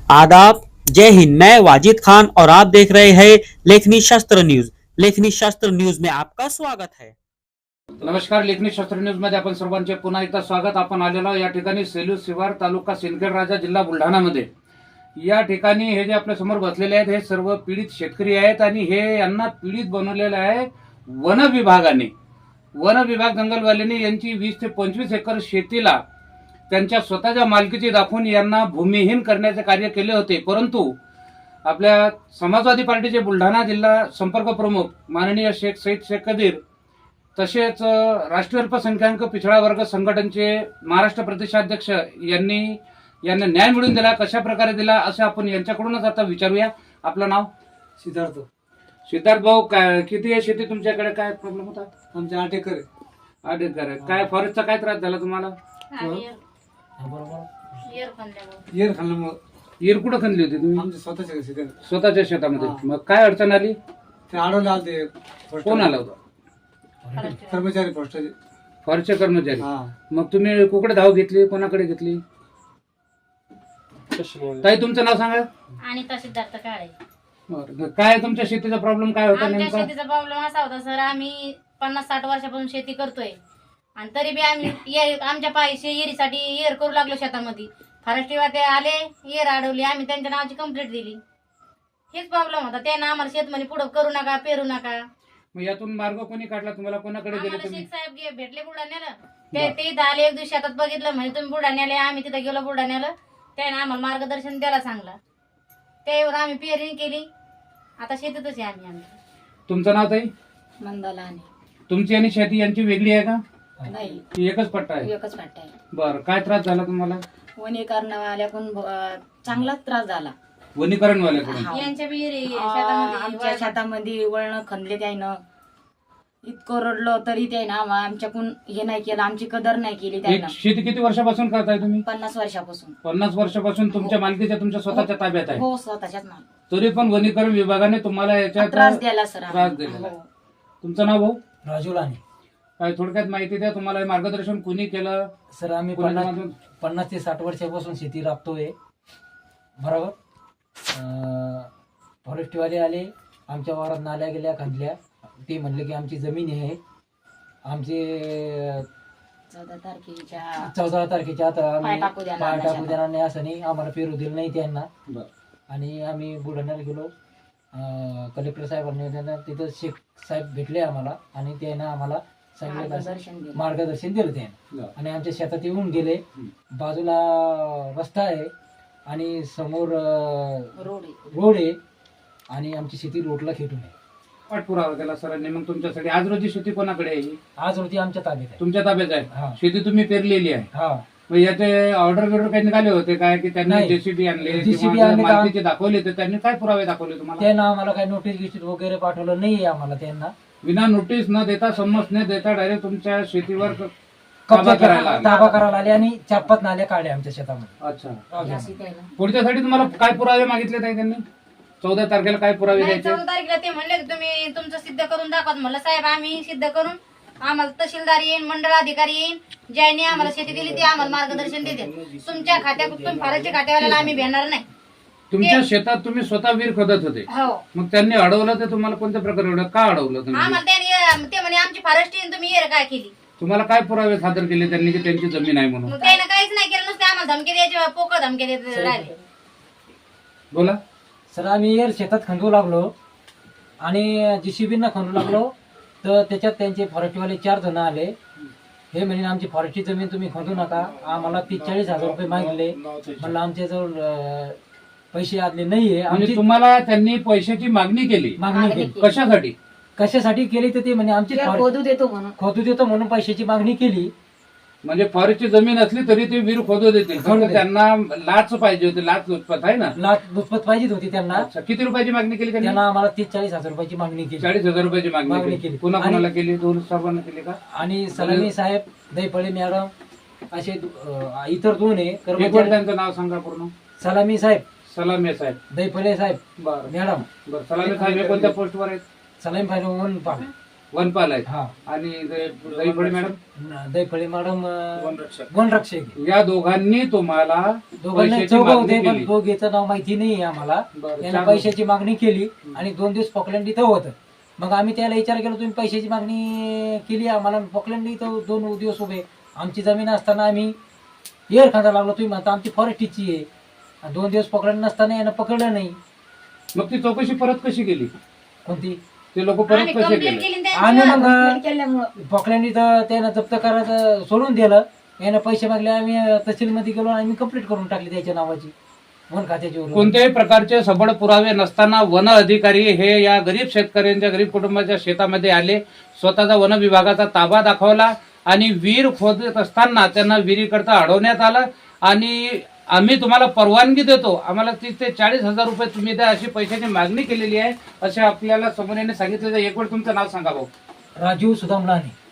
आदाब, जय हिंद। मैं वाजिद खान और आप देख रहे हैं लेखनी शास्त्र न्यूज। लेखनी शास्त्र न्यूज में आपका स्वागत है। नमस्कार, लेखनी शास्त्र न्यूज मध्ये आपण सर्वांचे पुन्हा एकदा स्वागत। आपण आलेलो या ठिकाणी सेलू शिवार तालुका सिंदखेड राजा जिल्हा बुलढाणा मध्ये। या ठिकाणी हे जे आपल्या समोर बसलेले आहेत हे सर्व पीडित शेतकरी आहेत आणि हे यांना पीडित बनवलेलं आहे वन विभागाने। वन विभाग जंगलवाल्यांनी यांची 20 ते 25 एकर शेतीला त्यांच्या स्वतःच्या मालकीची दाखवून यांना भूमिहीन करण्याचे कार्य केले होते। परंतु आपल्या समाजवादी पार्टीचे बुलढाणा जिल्हा संपर्क प्रमुख माननीय शेख सईद शेख कदीर, तसेच राष्ट्रीय अल्पसंख्याक पिछड़ा वर्ग संघटनेचे महाराष्ट्र प्रदेशाध्यक्ष यांनी यांना न्याय मिळवून दिला। कशा प्रकारे दिला असं आपण यांच्याकडूनच आता विचारूया। आपलं नाव? सिद्धार्थ। सिद्धार्थ भाऊ, किती आहे शेती तुमच्याकडे? काय प्रॉब्लेम होता? आमचे 8 एकर आहे। 8 एकर आहे। काय फॉरेस्टचा काय त्रास झाला तुम्हाला? येर खाल्ल्यामुळे येर कुठं खणली होती तुम्ही? आमच्या स्वतःच्या शेतात स्वतःच्या शेतामध्ये। मग काय अडचण आली? ते अडवले आलते। कोण आला होता? कर्मचारी पोस्टाचे। फॉरेस्टचे कर्मचारी। हा। मग तुम्ही कुकडे धाव घेतली? कोणाकडे घेतली? ताई, तुमचं नाव सांगा। अनिता सिद्धार्थ काळे। बरं, काय तुमच्या शेतीचा प्रॉब्लेम काय होता आमच्या नेमका? शेतीचा प्रॉब्लेम असा होता सर, आम्ही 50-60 वर्षापासून शेती करतोय आणि तरी बी आम्ही आमच्या पायीचे येरीसाठी येर करू लागलो शेतामध्ये। फॉरेस्टवाले आले, येर अडवली, आम्ही त्यांच्या नावाची कंप्लेंट दिली। हेच प्रॉब्लेम होता। त्यांना आम्हाला शेतमध्ये पुढे करू नका, पेरू नका। मग यातून मार्ग कोणी काढला तुम्हाला? कोणाकडे गेले आम्हाला तुम्ही? शेख साहेब भेटले बुलढाण्याला। ते इथं आले, एक दिवशी शेतात बघितलं, म्हणजे तुम्ही बुलढाण्याला या। आम्ही तिथे गेलो बुलढाण्याला, त्याने आम्हाला मार्गदर्शन द्यायला सांगला। त्यावर आम्ही पेरणी केली। आता शेतीतच आहे आम्ही। तुमचं नाव ताई? मंदाला आणि तुमची आणि शेती यांची वेगळी आहे का? नाही, की एकच पट्टा आहे? एकच वाटत आहे। बरं, काय त्रास झाला तुम्हाला? वनीकरणवाल्याकडून चांगलाच त्रास झाला। वनीकरण वाल्याकडून? हा. यांच्या बी आमच्या शेतामध्ये शेतामध्ये वळण खणले त्यानं। इतकं रडलो तरी त्यानं आमच्याकडून हे नाही केलं, आमची कदर नाही केली त्यानं। शेती किती वर्षापासून करताय तुम्ही? 50 वर्षापासून। 50 वर्षापासून तुमच्या मालकीच्या तुमच्या स्वतःच्या ताब्यात आहे? हो, स्वतःच्याच माल। तरी पण वनीकरण विभागाने तुम्हाला याच्यात त्रास द्यायला सर। त्रास दिलेला. हो. तुमचं नाव भाऊ? राजू लाने। काय थोडक्यात माहिती द्या, तुम्हाला हे मार्गदर्शन कोणी केलं? सर, आम्ही कोणी 50 ते 60 वर्षापासून शेती राबतोय, बरोबर। फॉरेस्टवाले आले, आमच्या वावरात नाल्या गेल्या, खणल्या। ते म्हणले की आमची जमीन आहे, आमचे 14 तारखेच्या आता आम्ही पाय टाकू देणार पाय नाही टाकू देणार नाही, असं नाही, आम्हाला पेरू दिलं नाही त्यांना। बरं. आणि आम्ही बुलढाण्याला गेलो, कलेक्टर साहेबांनी त्यांना तिथं शेख साहेब भेटले आम्हाला आणि त्यानं आम्हाला सांगितलं, मार्गदर्शन दिलं त्यानं। बरं. आणि आमच्या शेतात येऊन गेले। बाजूला रस्ता आहे आणि समोर रोड आहे आणि आमची शेती रोडला खेटून आहे। पाठपुरावा केला सरांनी। मग तुमच्यासाठी आज रोजी शेती कोणाकडे आहे? आज रोजी आमच्या ताब्यात आहे। तुमच्या ताब्यात आहे? हा. शेती तुम्ही पेरलेली आहे? हा। मग याचे ऑर्डर बिर्डर काही निघाले होते काय की त्यांनी नाही. जेसीबी आणले JCB किंवा आणले का? मालकीचे दाखवले तर त्यांनी काय पुरावे दाखवले तुम्हाला? त्यांना आम्हाला काही नोटीस गिटीस वगैरे पाठवलं नाही आम्हाला। त्यांना विना नोटीस न देता, संमत न देता डायरेक्ट तुमच्या शेतीवर ताबा करायला आले. ताबा करायला आले आणि 4-5 नाल्या काढल्या आमच्या शेतामध्ये। अच्छा, पुढच्यासाठी तुम्हाला काय पुरावे मागितले ताई त्यांनी? 14 तारखेला काय पुरावे नाही, द्यायचे? 14 तारखेला ते म्हणले की तुम्ही तुमचं सिद्ध करून दाखवा। म्हणलं साहेब, आम्ही सिद्ध करून आम्हाला तहसीलदार येईन, मंडळ अधिकारी येईन, ज्यांनी आम्हाला शेती दिली ते आम्हाला मार्गदर्शन देते। तुमच्या खात्यात तुम्ही फारच्या खात्यावाल्याला आम्ही भेटणार नाही। तुमच्या शेतात तुम्ही स्वतः विहीर खोदत होते, हो, मग त्यांनी अडवलं तर तुम्हाला कोणत्या प्रकारे अडवलं? का अडवलं तुम्ही? आम्हाला ते म्हणे आमची फॉरेस्ट येईन, तुम्ही येर काय केली? तुम्हाला काय पुरावे सादर केले त्यांनी की त्यांची जमीन आहे म्हणून? मग त्यानं काहीच नाही केलं, नुसते आम्हाला धमकी द्यायचे, पोकळ धमकी देत राहिले। बोला सर, आम्ही शेतात खंदू लागलो आणि JCB खंदू लागलो तर त्याच्यात त्यांचे फॉरेस्टवाले 4 जण आले। हे म्हणे आमची फॉरेस्टची जमीन तुम्ही खंदू नका। आम्हाला 40,000 रुपये मागितले। म्हणलं आमच्याजवळ पैसे आदले नाहीये। म्हणजे आमची तुम्हाला त्यांनी पैशाची मागणी केली? मागणी केली। कशासाठी? कशासाठी केली तर ते म्हणे आमची खोदू देतो म्हणून। खोदू देतो म्हणून पैशाची मागणी केली। म्हणजे फॉरेस्टची जमीन असली तरी ते विहीर खोदू देतील, खोदू फक्त त्यांना लाच पाहिजे होती, लाच लुचपत आहे ना? लाच लुचपत पाहिजे होती त्यांना। अच्छा, किती रुपयाची मागणी केली त्यांनी? त्यांना आम्हाला 30-40,000 रुपयाची मागणी केली। 40,000 रुपयाची मागणी मागणी केली. केली. पुन्हा आणि- कोणाला केली? दोन साहेबांना केली का? आणि सलामी साहेब, दैफळे मॅडम असे इतर 2 आहे एक वेळ कर्मचारी। त्यांचं नाव सांगा पूर्ण. सलामी साहेब, सलामे साहेब. दैफळे साहेब, बरं मॅडम। बरं. सलामे साहेब हे कोणत्या पोस्टवर आहेत? सलामी साहेब म्हणून पाहा। वनपाल आहेत हा आणि दैफळे मॅडम दैफळे मॅडम वनरक्षक या दोघांनी तुम्हाला दोघांना पैशाची चौघं मागणी होते पण केली. दोघेचं नाव माहिती नाही आम्हाला. बरं, त्यांना चार पैशाची मागणी केली आणि 2 दिवस पोकलँड इथं होतं. मग आम्ही त्याला विचार केला तुम्ही पैशाची मागणी केली आम्हाला, पोकलँड इथं 2 दिवस उभे, आमची जमीन असताना आम्ही एअर खांदा लागलो, तुम्ही म्हणता आमची फॉरेस्टची आहे. 2 दिवस पोकलँड नसताना यानं पकडलं नाही. मग ती चौकशी परत कशी केली? कोणती ते लोक परत आम्ही कसे कंप्लेंट केले? केली आम्ही त्यांच्यावर. मग केल्यामुळं पोकलँड इथं त्यानं जप्त करायचं सोडून दिलं. यानं पैसे मागले, आम्ही तहसीलमध्ये गेलो आणि आम्ही कंप्लीट करून टाकली त्याच्या नावाची वन खात्याची वरून. कोणत्याही प्रकारचे सबळ पुरावे नसताना वन अधिकारी हे या गरीब शेतकऱ्यांच्या गरीब कुटुंबाच्या शेतामध्ये आले, स्वतःचा वन विभागाचा ताबा दाखवला आणि विहीर खोदत असताना त्यांना विहिरीकरता अडवण्यात आलं आणि आम्ही तुम्हाला परवानगी देतो, आम्हाला 30 ते 40,000 रुपये तुम्ही द्या अशी पैशाची मागणी केलेली आहे असे आपल्याला समोर सांगितलं. एक वेळ तुमचं नाव सांगा भाऊ. राजीव सुदाम लाने.